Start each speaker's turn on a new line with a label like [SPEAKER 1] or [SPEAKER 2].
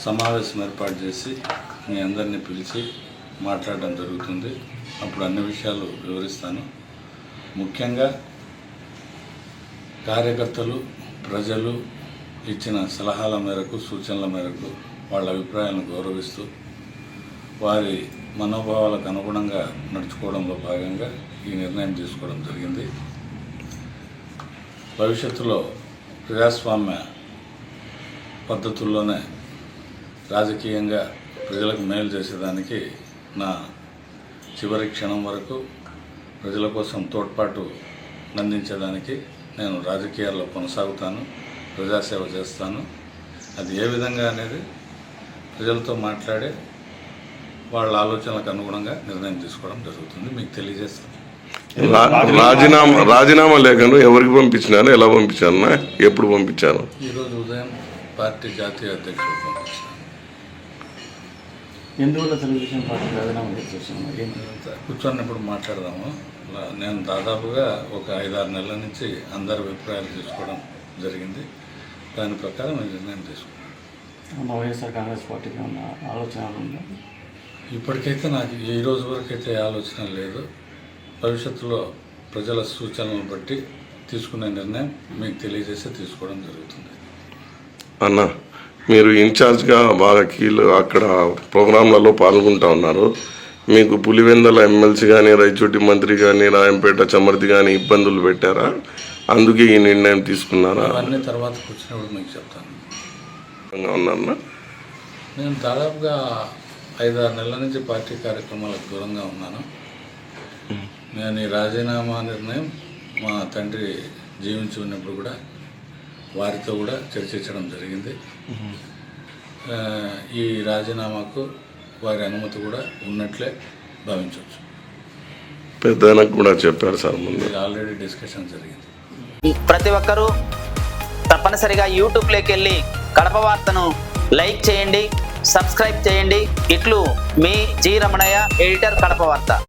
[SPEAKER 1] సమావేశం ఏర్పాటు చేసి మీ అందరినీ పిలిచి మాట్లాడడం జరుగుతుంది. అప్పుడు అన్ని విషయాలు వివరిస్తాను. ముఖ్యంగా కార్యకర్తలు, ప్రజలు ఇచ్చిన సలహాల మేరకు, సూచనల మేరకు వాళ్ళ అభిప్రాయాలను గౌరవిస్తూ వారి మనోభావాలకు అనుగుణంగా నడుచుకోవడంలో భాగంగా ఈ నిర్ణయం తీసుకోవడం జరిగింది. భవిష్యత్తులో ప్రజాస్వామ్య పద్ధతుల్లోనే రాజకీయంగా ప్రజలకు మేలు చేసేదానికి నా చివరి క్షణం వరకు ప్రజల కోసం తోడ్పాటు అందించేదానికి నేను రాజకీయాల్లో కొనసాగుతాను, ప్రజాసేవ చేస్తాను. అది ఏ విధంగా అనేది ప్రజలతో మాట్లాడే వాళ్ళ ఆలోచనలకు అనుగుణంగా నిర్ణయం తీసుకోవడం జరుగుతుంది. మీకు తెలియజేస్తాను.
[SPEAKER 2] రాజీనామా లేఖను ఎవరికి పంపించినాను, ఎలా పంపించాను, ఎప్పుడు పంపించాను?
[SPEAKER 1] ఈరోజు ఉదయం పార్టీ జాతీయ అధ్యక్షుడు పంపించాను.
[SPEAKER 3] ఎందువల్ల తెలుగుదేశం పార్టీ రాజీనామా చేస్తున్నాను?
[SPEAKER 1] కూర్చొన్నప్పుడు మాట్లాడదాము. నేను దాదాపుగా ఒక 5-6 నెలల నుంచి అందరి అభిప్రాయాలు తీసుకోవడం జరిగింది. దాని ప్రకారం నేను నిర్ణయం తీసుకున్నాను.
[SPEAKER 3] వైఎస్ఆర్ కాంగ్రెస్ పార్టీకి ఉన్న ఆలోచనలు ఉందా?
[SPEAKER 1] ఇప్పటికైతే నాకు ఈ రోజు వరకు అయితే ఆలోచన లేదు. భవిష్యత్తులో ప్రజల సూచనలను బట్టి తీసుకునే నిర్ణయం మీకు తెలియజేసి తీసుకోవడం జరుగుతుంది.
[SPEAKER 2] అన్న, మీరు ఇన్ఛార్జ్గా బాగా అక్కడ ప్రోగ్రాంలలో పాల్గొంటూ ఉన్నారు. మీకు పులివెందల ఎమ్మెల్సీ కానీ, రైచోటి మంత్రి కానీ, రాయంపేట చమర్తి కానీ ఇబ్బందులు పెట్టారా? అందుకే ఈ నిర్ణయం తీసుకున్నారా?
[SPEAKER 1] అవన్నీ తర్వాత కూర్చున్నప్పుడు మీకు చెప్తాను.
[SPEAKER 2] ఉన్నా
[SPEAKER 1] నేను దాదాపుగా 5-6 నెలల నుంచి పార్టీ కార్యక్రమాలకు దూరంగా ఉన్నాను. నేను ఈ రాజీనామా నిర్ణయం మా తండ్రి జీవించి ఉన్నప్పుడు కూడా వారితో కూడా చర్చించడం జరిగింది. ఈ రాజీనామాకు వారి అనుమతి కూడా ఉన్నట్లే భావించవచ్చు.
[SPEAKER 2] పెద్దనకు కూడా చెప్పారు సార్, ముందు
[SPEAKER 1] ఆల్రెడీ డిస్కషన్ జరిగింది.
[SPEAKER 4] ప్రతి ఒక్కరూ తప్పనిసరిగా యూట్యూబ్లోకి వెళ్ళి కడప వార్తను లైక్ చేయండి, సబ్స్క్రైబ్ చేయండి. ఇట్లు మీ జి రమణయ్య, ఎడిటర్, కడప వార్త.